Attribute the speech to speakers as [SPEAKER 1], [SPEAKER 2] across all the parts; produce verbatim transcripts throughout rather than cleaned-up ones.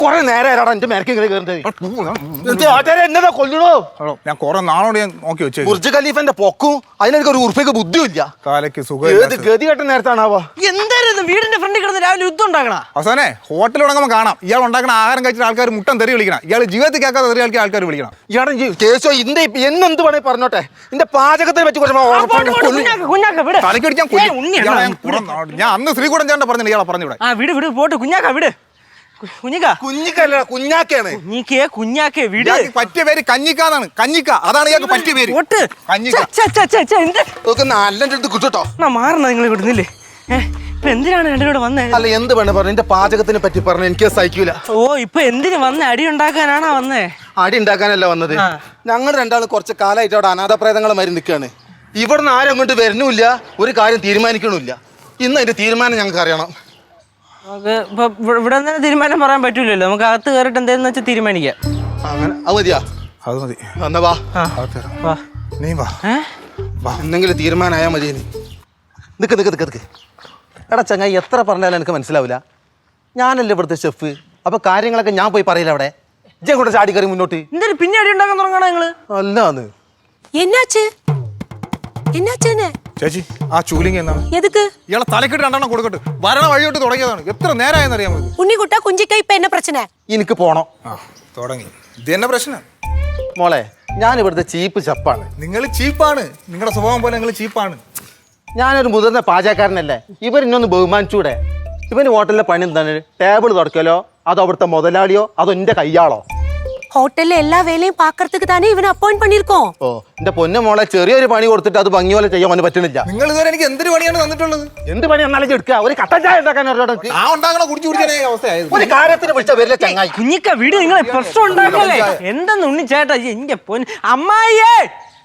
[SPEAKER 1] കൊറേ നേരം എന്റെ മേരക്ക് ഇങ്ങനെ കയറുന്നത് എന്നതാ കൊല്ലണോ?
[SPEAKER 2] ഞാൻ കൊറേ നാളോട് ഞാൻ നോക്കി വെച്ചു.
[SPEAKER 1] ബുർജ് ഖലീഫന്റെ പൊക്കും അതിനെനിക്ക് ഒരു ഉറുപ്പിക്ക് ബുദ്ധിയില്ല.
[SPEAKER 2] കാലയ്ക്ക് സുഖം.
[SPEAKER 1] ഏത് ഗതി കെട്ട നേരത്താണാവോ?
[SPEAKER 3] എന്തായിരുന്നു വീടിന്റെ ഫ്രണ്ടിൽ കിടന്ന് രാവിലെ യുദ്ധം ഉണ്ടാക്കണ?
[SPEAKER 2] അവസാനെ ഹോട്ടൽ തുടങ്ങുമ്പോൾ കാണാം ഇയാൾ ഉണ്ടാക്കുന്ന ആഹാരം കഴിച്ചിട്ട് ആൾക്കാർ മുട്ടൻ തെറി വിളിക്കണം. ഇയാൾ ജീവിതത്തിൽ കേൾക്കാതെ തെറി കളിക്കാൻ ആൾക്കാർ വിളിക്കണം.
[SPEAKER 1] ഇയാളെ കേസോ ഇന്റെ എന്നെന്ത് വേണേ പറഞ്ഞോട്ടെ. എന്റെ പാചകത്തെ പറ്റി
[SPEAKER 2] ഞാൻ അന്ന് ശ്രീകൂടൻ ചേട്ടൻ പറഞ്ഞു ഇയാളെ പറഞ്ഞു.
[SPEAKER 3] ആ വിട് വിട് പോട്ട് കുഞ്ഞാക്ക വിട്. കുഞ്ഞിക്ക
[SPEAKER 1] കുഞ്ഞിക്കല്ല കുഞ്ഞാക്കയാണ്.
[SPEAKER 3] കുഞ്ഞിക്കേ കുഞ്ഞാക്കേ വിട്.
[SPEAKER 2] പറ്റിയ പേര് കഞ്ഞിക്കാന്നാണ്. കഞ്ഞിക്ക അതാണ് ഇയാൾക്ക് പറ്റിയ പേര്.
[SPEAKER 1] നല്ല കിട്ടോ
[SPEAKER 3] മാറണ നിങ്ങൾ വിടുന്നില്ലേ? ഇപ്പൊ എന്തിനാണ് രണ്ടിനോട് വന്നേ?
[SPEAKER 1] അല്ല എന്ത് വേണേ പറഞ്ഞു. എന്റെ പാചകത്തിനെ പറ്റി പറഞ്ഞു എനിക്ക് സഹിക്കൂല.
[SPEAKER 3] ഓ ഇപ്പൊ എന്തിനു വന്നേ? അടി ഉണ്ടാക്കാനാണോ വന്നേ?
[SPEAKER 1] അടി ഉണ്ടാക്കാനല്ല വന്നത്. ഞങ്ങൾ രണ്ടാളും കുറച്ച് കാലമായിട്ട് അവിടെ അനാഥപ്രേതങ്ങളെ മാറി നിൽക്കുകയാണ്. ഇവിടുന്ന് ആരും അങ്ങോട്ട് വരുന്നുമില്ല, ഒരു കാര്യം തീരുമാനിക്കണമില്ല. ഇന്ന് അതിന്റെ തീരുമാനം ഞങ്ങൾക്ക് അറിയണം.
[SPEAKER 3] ഇപ്പൊ ഇവിടെ തന്നെ തീരുമാനം പറയാൻ പറ്റൂലല്ലോ. നമുക്ക് അകത്ത് കയറിട്ട് എന്താന്ന് വെച്ചാൽ തീരുമാനിക്കാം.
[SPEAKER 1] അങ്ങനെ അത് മതിയാ?
[SPEAKER 2] അത് മതി.
[SPEAKER 1] എന്നാ വാ
[SPEAKER 3] വാ
[SPEAKER 2] നീ വാ.
[SPEAKER 1] എന്തെങ്കിലും തീരുമാനമായാ മതി. നിക്ക് നിക്ക് നിക്ക് നിക്ക് എടാ ചങ്ങായി, എത്ര പറഞ്ഞാലും എനിക്ക് മനസ്സിലാവില്ല. ഞാനല്ലേ ഇവിടുത്തെ ഷെഫ്. അപ്പൊ കാര്യങ്ങളൊക്കെ ഞാൻ പോയി പറയില്ല. അവിടെ ഇജ്ജെ കൂടെ ചാടി കയറി മുന്നോട്ട്.
[SPEAKER 3] എന്തൊരു പിന്നെ അടി ഉണ്ടാക്കാൻ തുടങ്ങണ നിങ്ങള്?
[SPEAKER 1] അല്ലാന്ന്
[SPEAKER 4] എന്നാച്ച് എന്നാച്ചേനെ
[SPEAKER 2] ചേച്ചി ആ ചൂലിങ് എന്നാണ്?
[SPEAKER 4] എതുക്ക്
[SPEAKER 2] ഇയാളെ തലക്കിട്ട് രണ്ടെണ്ണം കൊടുക്കട്ടെ. വരണ വഴിയോട്ട് തുടങ്ങിയതാണ്. എത്ര നേരമായെന്ന് അറിയാൻ പറ്റും.
[SPEAKER 4] ഉണ്ണിക്കുട്ട കുഞ്ചിക്ക ഇപ്പൊ എന്നെ പ്രശ്നം?
[SPEAKER 1] എനിക്ക് പോണം.
[SPEAKER 2] ആ തുടങ്ങി. ഇത് തന്നെ പ്രശ്നം
[SPEAKER 1] മോളെ. ഞാൻ ഇവിടുത്തെ ചീപ്പ് ചപ്പാണ്.
[SPEAKER 2] നിങ്ങൾ ചീപ്പാണ്. നിങ്ങളുടെ സ്വഭാവം പോലെ നിങ്ങൾ ചീപ്പാണ്.
[SPEAKER 1] ഞാനൊരു മുതിർന്ന പാചകക്കാരനല്ലേ. ഇവർ ഇന്നൊന്ന് ബഹുമാനിച്ചൂടെ? ഇവന് ഹോട്ടലിലെ പണി എന്താണ്? ടേബിൾ തുടക്കലോ അതോ അവിടുത്തെ മുതലാളിയോ അതോ എന്റെ കയ്യാളോ?
[SPEAKER 4] ഹോട്ടലിലെ എല്ലാ വേലയും പാക്കറത്തുക്ക് തന്നെ ഇവന് അപ്പോയിന്റ് പണിയിരിക്കോ?
[SPEAKER 1] ഓ എന്റെ പൊന്നു മോളെ, ചെറിയൊരു പണി കൊടുത്തിട്ട് അത് ഭംഗി പോലെ ചെയ്യാൻ അവന് പറ്റുന്നില്ല.
[SPEAKER 2] നിങ്ങൾ ഇതുവരെ എനിക്ക് എന്തൊരു പണിയാണ് തന്നിട്ടുള്ളത്?
[SPEAKER 1] എന്ത് പണി എന്നാലും എടുക്കുക. ഒരു കട്ടൻ ചായ ഉണ്ടാക്കാൻ
[SPEAKER 2] ആ ഉണ്ടാക്കണ കുടിച്ചു കുടിക്കാനേ അവസ്ഥയായത്.
[SPEAKER 1] ഒരു കാര്യത്തിന് വിളിച്ച വരില്ല ചങ്ങായി.
[SPEAKER 3] കുഞ്ഞിക്ക വീട് നിങ്ങളെ പ്രശ്നം ഉണ്ടാക്കല്ലേ? എന്തെന്ന് ഉണ്ണി ചേട്ടാ എന്റെ പൊന്ന് അമ്മായിയേ.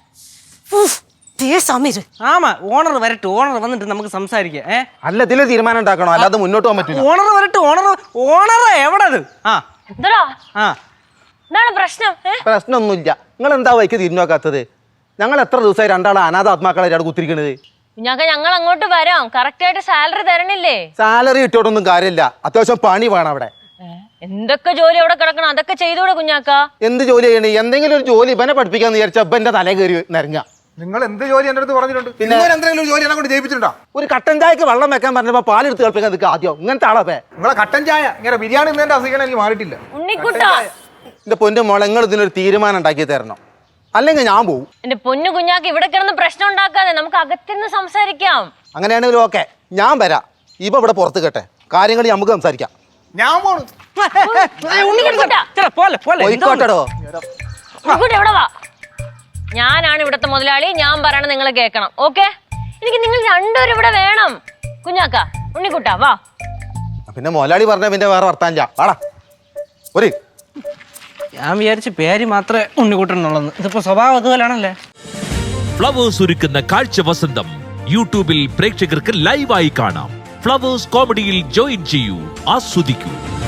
[SPEAKER 3] ആമാ ഓണർ വരട്ടെ. ഓണർ വന്നിട്ട് നമുക്ക് സംസാരിക്കാം. ഏ
[SPEAKER 1] അല്ല ഇതില് തീരുമാനം ഉണ്ടാക്കണോ, അല്ലാതെ മുന്നോട്ട് പോകാൻ പറ്റില്ല.
[SPEAKER 3] ഓണർ വരട്ടെ. ഓണർ ഓണർ എവിടത്? ആ ആ
[SPEAKER 5] എന്താണ് പ്രശ്നം?
[SPEAKER 1] പ്രശ്നമൊന്നുമില്ല. നിങ്ങൾ എന്താ വൈക്ക് തിരിഞ്ഞു നോക്കാത്തത്? ഞങ്ങൾ എത്ര ദിവസമായി രണ്ടാളെ അനാഥ ആത്മാക്കളെ അവിടെ കുത്തിരിക്കണത്.
[SPEAKER 5] കുഞ്ഞാക്ക ഞങ്ങൾ അങ്ങോട്ട് വരാം. കറക്റ്റ് ആയിട്ട് സാലറി തരണില്ലേ?
[SPEAKER 1] സാലറി കിട്ടിയോട്ടൊന്നും കാര്യമില്ല. അത്യാവശ്യം പണി വേണം അവിടെ.
[SPEAKER 5] എന്തൊക്കെ ജോലി അവിടെ കിടക്കണം അതൊക്കെ ചെയ്തൂടെ കുഞ്ഞാക്ക?
[SPEAKER 1] എന്ത് ജോലി ചെയ്യണേ? എന്തെങ്കിലും ഒരു ജോലി ഇവനെ പഠിപ്പിക്കാന്ന് വിചാരിച്ച ഇവന്റെ തലേ കയറി നിരങ്ങ.
[SPEAKER 2] നിങ്ങൾ എന്ത് ജോലി എന്റെ അടുത്ത് പറഞ്ഞിട്ടുണ്ട്? പിന്നെ എന്തെങ്കിലും ജോലി എന്നെ കൊണ്ട് ജയിപ്പിച്ചിട്ടുണ്ടോ?
[SPEAKER 1] ഒരു കട്ടൻ ചായക്ക് വെള്ളം വെക്കാൻ പറഞ്ഞപ്പോ പാലെടുത്ത് കളിപ്പിക്കാൻ നിൽക്കുക. ആദ്യം ഇങ്ങനത്തെ ആളെ
[SPEAKER 2] നിങ്ങളെ കട്ടൻ ചായ ഇങ്ങനെ ബിരിയാണി എന്നെ അസുഖം എനിക്ക് മാറിയിട്ടില്ല.
[SPEAKER 5] ഉണ്ണിക്കുട്ടാ
[SPEAKER 1] എന്റെ പൊന്നു മോളെ, നിങ്ങൾ ഇതിനൊരു തീരുമാനം ഉണ്ടാക്കി തരണം, അല്ലെങ്കിൽ ഞാൻ പോവും.
[SPEAKER 5] എന്റെ പൊന്നു കുഞ്ഞാക്ക ഇവിടെ കിടന്ന് പ്രശ്നം ഉണ്ടാക്കാതെ നമുക്ക് അകത്തിരുന്ന് സംസാരിക്കാം.
[SPEAKER 1] അങ്ങനെയാണെങ്കിലും ഓക്കെ, ഞാൻ വരാം. ഇപ്പൊ ഇവിടെ പുറത്ത് കേട്ടെ കാര്യങ്ങൾ നമുക്ക് സംസാരിക്കാം.
[SPEAKER 2] ഞാൻ പോണു.
[SPEAKER 1] പോയിക്കോട്ടെടോ.
[SPEAKER 5] എവിടെ വാ. ഞാനാണ് ഇവിടത്തെ മുതലാളി. ഞാൻ പറയണ നിങ്ങൾ കേൾക്കണം. ഓക്കെ? എനിക്ക് നിങ്ങൾ രണ്ടുപേരും ഇവിടെ വേണം. കുഞ്ഞാക്ക ഉണ്ണിക്കുട്ടാ വാ.
[SPEAKER 1] പിന്നെ മുതലാളി പറഞ്ഞ പിന്നെ വേറെ വർത്താനില്ല. വാടാ ഒരു.
[SPEAKER 3] ഞാൻ വിചാരിച്ച പേര് മാത്രമേ ഉണ്ണിക്കുട്ടനുള്ളൂ. ഇതിപ്പോ സ്വഭാവം അതുപോലാണല്ലേ.
[SPEAKER 6] ഫ്ലവേഴ്സ് ഒരുക്കുന്ന കാഴ്ച വസന്തം യൂട്യൂബിൽ പ്രേക്ഷകർക്ക് ലൈവായി കാണാം. ഫ്ലവേഴ്സ് കോമഡിയിൽ ജോയിൻ ചെയ്യൂ, ആസ്വദിക്കൂ.